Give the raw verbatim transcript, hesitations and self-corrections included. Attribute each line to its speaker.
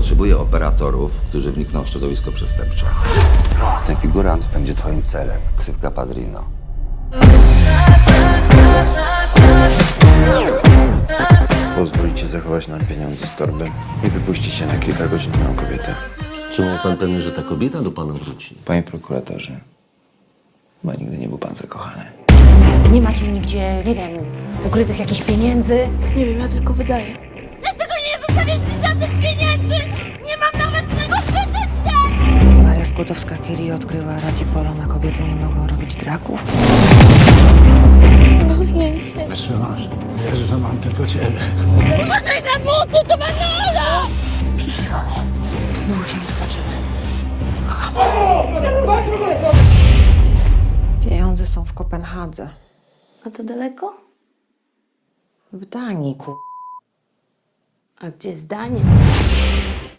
Speaker 1: Potrzebuję operatorów, którzy wnikną w środowisko przestępcze. Ten figurant będzie twoim celem. Ksywka Padrino.
Speaker 2: Pozwolicie zachować nam pieniądze z torby i wypuścicie na kilka godzin moją kobietę.
Speaker 1: Czy jest pan pewny, że ta kobieta do pana wróci?
Speaker 2: Panie prokuratorze, chyba nigdy nie był pan zakochany.
Speaker 3: Nie macie nigdzie, nie wiem, ukrytych jakichś pieniędzy?
Speaker 4: Nie wiem, ja tylko wydaję.
Speaker 5: Dlaczego nie zostawiasz mi żadnych pieniędzy? Nie mam nawet tego szczoteczka!
Speaker 3: Maria Skłodowska-Curie odkryła Radzipolo, na kobiety nie mogą robić draków.
Speaker 5: Boję się.
Speaker 6: Jeszcze masz. Wiesz, że mam tylko ciebie.
Speaker 5: Uważaj na buty, to Manola!
Speaker 3: Przyśniło mnie. Długo się nie zobaczymy. Kocham cię. Pieniądze są w Kopenhadze.
Speaker 5: A to daleko?
Speaker 3: W Danii, ku...
Speaker 5: A gdzie zdanie?